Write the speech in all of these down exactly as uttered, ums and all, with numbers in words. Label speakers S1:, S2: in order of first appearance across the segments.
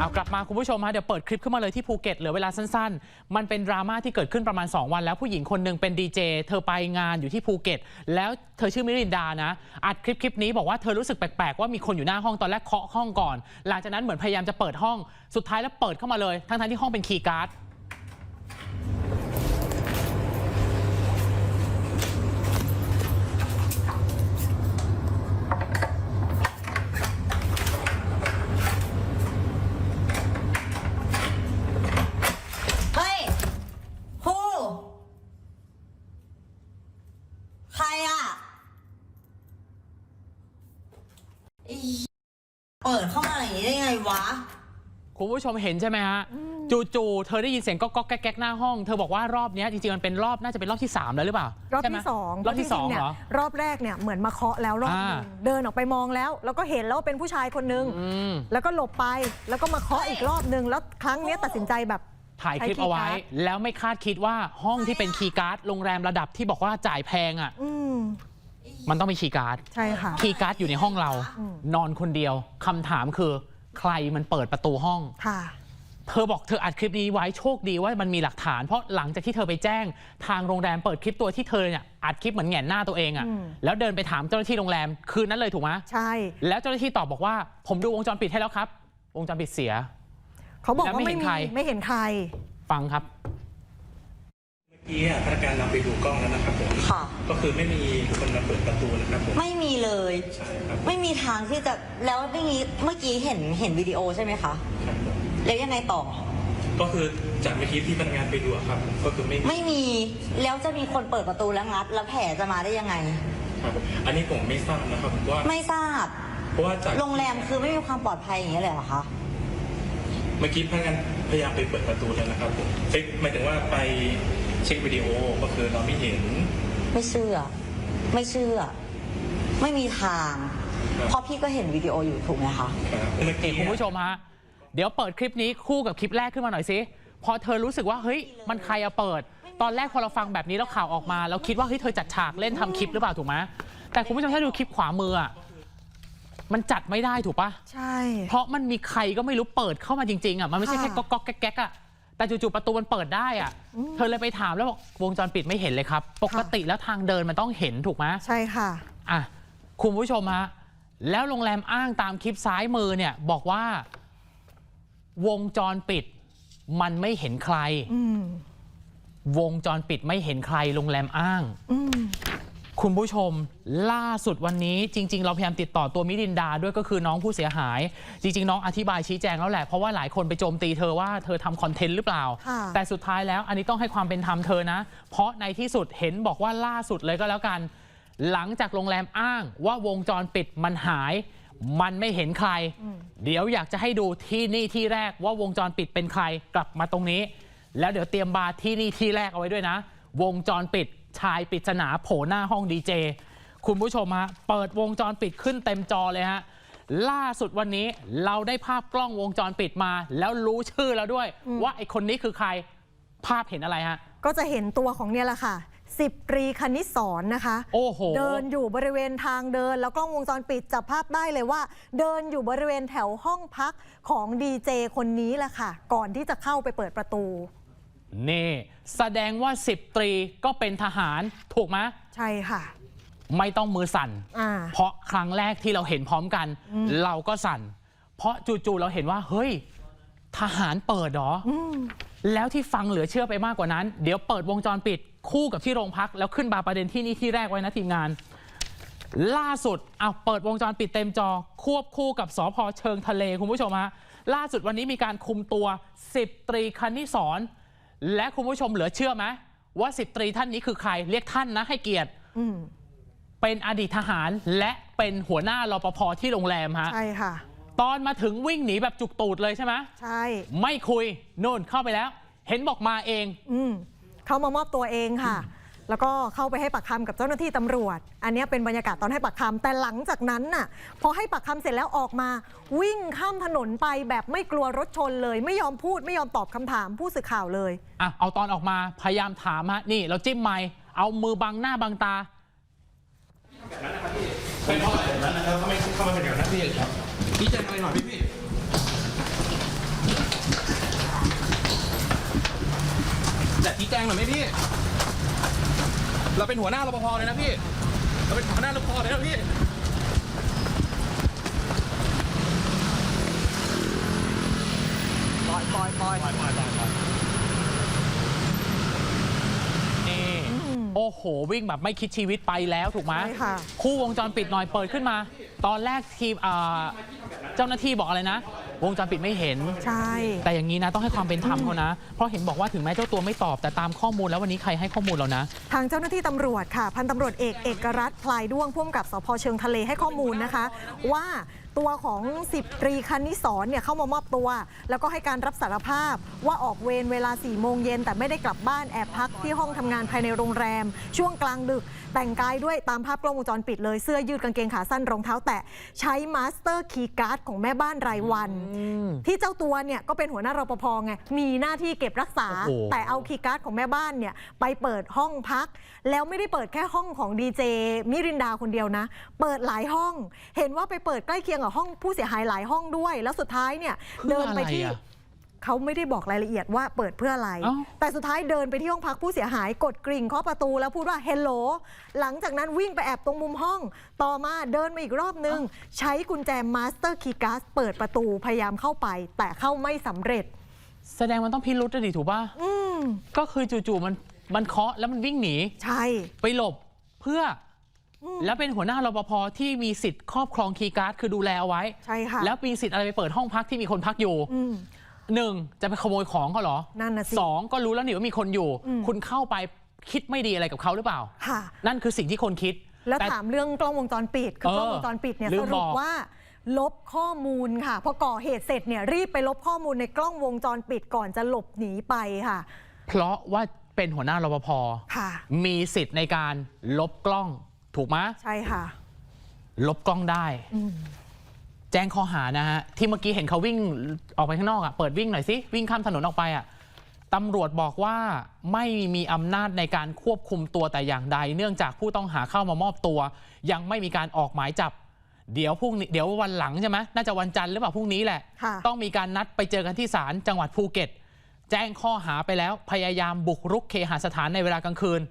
S1: เอากลับมาคุณผู้ชมฮะเดี๋ยวเปิดคลิปขึ้นมาเลยที่ภูเก็ตเหลือเวลาสั้นๆมันเป็นดราม่าที่เกิดขึ้นประมาณสองวันแล้วผู้หญิงคนหนึ่งเป็นดีเจเธอไปงานอยู่ที่ภูเก็ตแล้วเธอชื่อมิรินดานะอัดคลิปคลิปนี้บอกว่าเธอรู้สึกแปลกๆว่ามีคนอยู่หน้าห้องตอนแรกเคาะห้องก่อนหลังจากนั้นเหมือนพยายามจะเปิดห้องสุดท้ายแล้วเปิดเข้ามาเลยทั้งๆที่ห้องเป็นคีย์การ์ด
S2: ใครอ่ะเปิดเข้ามาอย่างนี้ได้ไงวะ
S1: คุณผู้ชมเห็นใช่ไหมฮะจู่ๆเธอได้ยินเสียงก๊อกๆแก๊กๆหน้าห้องเธอบอกว่ารอบนี้จริงๆมันเป็นรอบน่าจะเป็นรอบที่สามแล้วหรือเปล่าร
S3: อบที่สอง
S1: รอบที่สองเหรอ
S3: รอบแรกเนี่ยเหมือนมาเคาะแล้วรอบนึงเดินออกไปมองแล้วแล้วก็เห็นแล้วว่าเป็นผู้ชายคนนึงแล้วก็หลบไปแล้วก็มาเคาะอีกรอบนึงแล้วครั้งนี้ตัดสินใจแบบ
S1: ถ่ายคลิปเอาไว้แล้วไม่คาดคิดว่าห้องที่เป็นคีย์การ์ดโรงแรมระดับที่บอกว่าจ่ายแพงอ่ะมันต้องมีคีย์การ์ด
S3: ใช่ค่ะ
S1: คีย์การ์ดอยู่ในห้องเรานอนคนเดียวคำถามคือใครมันเปิดประตูห้อง
S3: ค่ะ
S1: เธอบอกเธออัดคลิปนี้ไว้โชคดีว่ามันมีหลักฐานเพราะหลังจากที่เธอไปแจ้งทางโรงแรมเปิดคลิปตัวที่เธอเนี่ยอัดคลิปเหมือนแหงนหน้าตัวเองอ่ะแล้วเดินไปถามเจ้าหน้าที่โรงแรมคืนนั้นเลยถูกไหม
S3: ใช่
S1: แล้วเจ้าหน้าที่ตอบบอกว่าผมดูวงจรปิดให้แล้วครับวงจรปิดเสีย
S3: เขาบอกว่าไม่มีไม่เห็นใคร
S1: ฟังครับ
S4: เมื่อกี้พนักงานเราไปดูกล้องแล้วนะครับผม
S2: ค่ะ
S4: ก็คือไม่มีคนมาเปิดประตูนะครับผม
S2: ไม่มีเลย
S4: ใช่ครับ
S2: ไม่มีทางที่จะแล้วเมื่อกี้เมื่อกี้เห็นเห็นวิดีโอใช่ไหมคะ
S4: ครับผม
S2: แล้วยังไงต่อ
S4: ก็คือจากเมื่อกี้ที่พนักงานไปดูครับก็คือไม่
S2: ไม่มีแล้วจะมีคนเปิดประตูแล้วงัดแล้วแผลจะมาได้ยังไง
S4: ครับอันนี้ผมไม่ทราบนะครับว่า
S2: ไม่ทราบ
S4: เพราะว่าจาก
S2: โรงแรมคือไม่มีความปลอดภัยอย่างเงี้ยเลยเหรอคะ
S4: เมื่อกี้พนักงานพยายามไปเปิดประตูแล้วนะครับผมเช็คหมายถึงว่าไปเช็ควิดีโอก็คือเราไม่เห็น
S2: ไม่เชื่อไม่เชื่อไม่มีทางเพราะพี่ก็เห็นวิดีโออยู่ถูกไหมคะ
S1: เมื่อกี้คุณผู้ชมฮะเดี๋ยวเปิดคลิปนี้คู่กับคลิปแรกขึ้นมาหน่อยสิพอเธอรู้สึกว่าเฮ้ยมันใครเอาเปิดตอนแรกพอเราฟังแบบนี้แล้วข่าวออกมาเราคิดว่าเฮ้ยเธอจัดฉากเล่นทำคลิปหรือเปล่าถูกไหมแต่คุณผู้ชมถ้าดูคลิปขวามืออ่ะมันจัดไม่ได้ถูกปะ
S3: ใช่
S1: เพราะมันมีใครก็ไม่รู้เปิดเข้ามาจริงๆอ่ะมันไม่ใช่แค่ก๊อกก๊อกแก๊กๆอ่ะแต่จู่ๆประตูมันเปิดได้อ่ะเธอเลยไปถามแล้วบอกวงจรปิดไม่เห็นเลยครับปกติแล้วทางเดินมันต้องเห็นถูกไหม
S3: ใช่ค่ะ
S1: อ่ะคุณผู้ชมฮะแล้วโรงแรมอ้างตามคลิปซ้ายมือเนี่ยบอกว่าวงจรปิดมันไม่เห็นใครวงจรปิดไม่เห็นใครโรงแรมอ้างคุณผู้ชมล่าสุดวันนี้จริงๆเราพยายามติดต่อตัวมิรินดาด้วยก็คือน้องผู้เสียหายจริงๆน้องอธิบายชี้แจงแล้วแหละเพราะว่าหลายคนไปโจมตีเธอว่าเธอทำคอนเทนต์หรือเปล่าแต่สุดท้ายแล้วอันนี้ต้องให้ความเป็นธรรมเธอนะเพราะในที่สุดเห็นบอกว่าล่าสุดเลยก็แล้วกันหลังจากโรงแรมอ้างว่าวงจรปิดมันหายมันไม่เห็นใครเดี๋ยวอยากจะให้ดูที่นี่ที่แรกว่าวงจรปิดเป็นใครกลับมาตรงนี้แล้วเดี๋ยวเตรียมบาร์ที่นี่ที่แรกเอาไว้ด้วยนะวงจรปิดชายปริศนาโผล่หน้าห้องดีเจคุณผู้ชมฮะเปิดวงจรปิดขึ้นเต็มจอเลยฮะล่าสุดวันนี้เราได้ภาพกล้องวงจรปิดมาแล้วรู้ชื่อแล้วด้วยว่าไอ้คนนี้คือใครภาพเห็นอะไรฮะ
S3: ก็จะเห็นตัวของเนี่ยแหละค่ะสิบตรีคณิตศรนะคะ
S1: โอ้โห
S3: เดินอยู่บริเวณทางเดินแล้วกล้องวงจรปิดจับภาพได้เลยว่าเดินอยู่บริเวณแถวห้องพักของดีเจคนนี้แหละค่ะก่อนที่จะเข้าไปเปิดประตู
S1: นี่แสดงว่าสิบตรีก็เป็นทหารถูกไหม
S3: ใช่ค่ะ
S1: ไม่ต้องมือสั่นเพราะครั้งแรกที่เราเห็นพร้อมกันเราก็สั่นเพราะจู่ๆเราเห็นว่าเฮ้ยทหารเปิดหรอแล้วที่ฟังเหลือเชื่อไปมากกว่านั้นเดี๋ยวเปิดวงจรปิดคู่กับที่โรงพักแล้วขึ้นบาร์ประเด็นที่นี่ที่แรกไว้นะทีมงานล่าสุดเอาเปิดวงจรปิดเต็มจอควบคู่กับสภ.เชิงทะเลคุณผู้ชมฮะล่าสุดวันนี้มีการคุมตัวสิบตรีคณิศรและคุณผู้ชมเหลือเชื่อไหมว่าสิบตรีท่านนี้คือใครเรียกท่านนะให้เกียรติเป็นอดีตทหารและเป็นหัวหน้ารปภ.ที่โรงแรมฮะ
S3: ใช่ค่ะ
S1: ตอนมาถึงวิ่งหนีแบบจุกตูดเลยใช่ไหม
S3: ใช่
S1: ไม่คุยโน่นเข้าไปแล้วเห็นบอกมาเอง
S3: อืมเขามามอบตัวเองค่ะแล้วก็เข้าไปให้ปากคำกับเจ้าหน้าที่ตำรวจอันนี้เป็นบรรยากาศตอนให้ปากคำแต่หลังจากนั้นน่ะพอให้ปากคำเสร็จแล้วออกมาวิ่งข้ามถนนไปแบบไม่กลัวรถชนเลยไม่ยอมพูดไม่ยอมตอบคำถามผู้สื่อข่าวเลย
S1: อ่ะเอาตอนออกมาพยายามถามฮะนี่เราจิ้มไมค์เอามือบังหน้าบังตา
S5: แบบนั้นนะครับพี่เป็นเพราะอะไรแบบนั้นนะครับทำไมเข้ามาเป็นแบบนั้นพี่ครับพี่แจ้งอะไรหน่อยพี่พี่งหน่อยไหมพี่ เราเป็นหัวหน้ารปภเลยนะพี่ เราเป็นหัวหน้ารปภเลยนะพี่
S3: ปล่อยปล่อยปล่อย
S5: ปล่อยปล่อยปล่อยปล่อย
S1: นี่โอ้โห วิ่งแบบไม่คิดชีวิตไปแล้วถูกไหม
S3: ใช่ค่ะ
S1: คู่วงจรปิดหน่อยเปิดขึ้นมา ตอนแรกทีมอ่าเจ้าหน้าที่บอกอะไรนะ วงจรปิดไม่เห็น
S3: ใช่
S1: แต่อย่างนี้นะต้องให้ความเป็นธรรมเขานะ เพราะเห็นบอกว่าถึงแม้เจ้าตัวไม่ตอบแต่ตามข้อมูลแล้ววันนี้ใครให้ข้อมูลเรานะ
S3: ทางเจ้าหน้าที่ตำรวจค่ะพันตำรวจเอกเอกรัตน์พลายด้วงผู้กำกับสพเชิงทะเลให้ข้อมูลนะคะ ว่าตัวของสิบตรีคณิสรเนี่ยเข้ามามอบตัว แล้วก็ให้การรับสารภาพว่าออกเวรเวลาสี่โมงเย็นแต่ไม่ได้กลับบ้านแอบพักที่ห้องทำงานภายในโรงแรม ช่วงกลางดึก แต่งกายด้วยตามภาพกล้องวงจรปิดเลยเสื้อยืดกางเกงขาสั้นรองเท้าแตะใช้มาสเตอร์คีย์การ์ดของแม่บ้านรายวัน ที่เจ้าตัวเนี่ยก็เป็นหัวหน้ารปภไงมีหน้าที่เก็บรักษา
S1: โอ้โห
S3: แต่เอาคีย์การ์ดของแม่บ้านเนี่ยไปเปิดห้องพัก แล้วไม่ได้เปิดแค่ห้องของดีเจมิรินดาคนเดียวนะ เปิดหลายห้อง เห็นว่าไปเปิดใกล้เคียงกับห้องผู้เสียหายหลายห้องด้วย แล้วสุดท้ายเนี่ย
S1: เพื่อ
S3: เดินไปที่
S1: อะไรอะ
S3: เขาไม่ได้บอกรายละเอียดว่าเปิดเพื่ออะไร
S1: เอ้า
S3: แต่สุดท้ายเดินไปที่ห้องพักผู้เสียหายกดกริ่งเคาะประตูแล้วพูดว่าเฮลโหลหลังจากนั้นวิ่งไปแอบตรงมุมห้อง ต่อมาเดินมาอีกรอบนึง ใช้กุญแจมาสเตอร์คีย์การ์ดเปิดประตูพยายามเข้าไป แต่เข้าไม่สำเร็จ
S1: แสดงมันต้องพิรุษดิถูกป่ะ
S3: อืม
S1: ก็คือจู่ๆมันมันเคาะแล้วมันวิ่งหนี
S3: ใช่
S1: ไปหลบเพื่ออแล้วเป็นหัวหน้ารปภที่มีสิทธิ์ครอบครองคีย์การ์ดคือดูแลเอาไว้
S3: ใช่ค่ะ
S1: แล้วมีสิทธิ์อะไรไปเปิดห้องพักที่มีคนพักอยู่
S3: อืม
S1: หนึ่งจะไปขโมยของเขาเหรอ
S3: นั่นน่ะสิ
S1: สองก็รู้แล้วนี่ว่ามีคนอยู่
S3: อืม
S1: คุณเข้าไปคิดไม่ดีอะไรกับเขาหรือเปล่า
S3: ค่ะ
S1: นั่นคือสิ่งที่คนคิด
S3: แล้ว
S1: ต่
S3: ถามเรื่องกล้องวงจรปิดคือ
S1: เออก
S3: ล้องวงจรปิดเนี่ย
S1: ลื
S3: ส
S1: ม
S3: รุ
S1: บ
S3: ป
S1: อก
S3: ว่า ลบข้อมูลค่ะพอก่อเหตุเสร็จเนี่ยรีบไปลบข้อมูลในกล้องวงจรปิดก่อนจะหลบหนีไปค่ะ
S1: เพราะว่าเป็นหัวหน้ารปภ
S3: ค่ะ
S1: มีสิทธิ์ในการลบกล้องถูกไหม
S3: ใช่ค่ะ
S1: ลบกล้องได้
S3: อืม
S1: แจ้งข้อหานะฮะที่เมื่อกี้เห็นเขาวิ่งออกไปข้างนอกอ่ะเปิดวิ่งหน่อยสิวิ่งข้ามถนนออกไปอ่ะตำรวจบอกว่าไม่มีอำนาจในการควบคุมตัวแต่อย่างใด เนื่องจากผู้ต้องหาเข้ามามอบตัว ยังไม่มีการออกหมายจับ เดี๋ยวพรุ่งนี้เดี๋ยววันหลังใช่ไหมน่าจะวันจันทร์หรือเปล่าพรุ่งนี้แหละ
S3: ค่ะ
S1: ต้องมีการนัดไปเจอกันที่ศาลจังหวัดภูเก็ต แจ้งข้อหาไปแล้วพยายามบุกรุกเคหสถานในเวลากลางคืน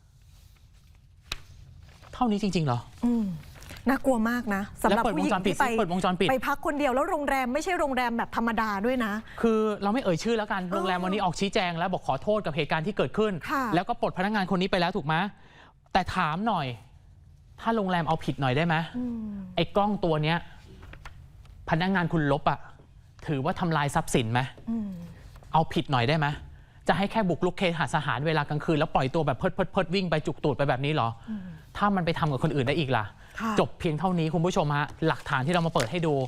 S1: เท่านี้จริงๆเหรอ
S3: อืมน่ากลัวมากนะสำหรับ
S1: แล้วเปิด
S3: ผู้หญิ
S1: วงจ
S3: ง
S1: รปิด
S3: ที่ไป
S1: สิเปิดวงจรปิด
S3: ไปพักคนเดียวแล้วโรงแรมไม่ใช่โรงแรมแบบธรรมดาด้วยนะ
S1: คือเราไม่เอ่ยชื่อแล้วกัน โรงแรมวันนี้ออกชี้แจงแล้วบอกขอโทษกับเหตุการณ์ที่เกิดขึ้น
S3: ค่ะ
S1: แล้วก็ปลดพนักงานคนนี้ไปแล้วถูกไหมแต่ถามหน่อย ถ้าโรงแรมเอาผิดหน่อยได้ไหม
S3: อืม
S1: ไอ้กล้องตัวเนี้ยพนักงานคุณลบอะถือว่าทำลายทรัพย์สินไหม
S3: อืม
S1: เอาผิดหน่อยได้ไหมจะให้แค่บุกรุกเคหสถานเวลากลางคืนแล้วปล่อยตัวแบบเพิดเพิดเพิดวิ่งไปจุกตูดไปแบบนี้เหรออถ้ามันไปทำกับคนอื่นได้อีกล่ะ
S3: ค่ะ
S1: จบเพียงเท่านี้คุณผู้ชมฮะหลักฐานที่เรามาเปิดให้ดู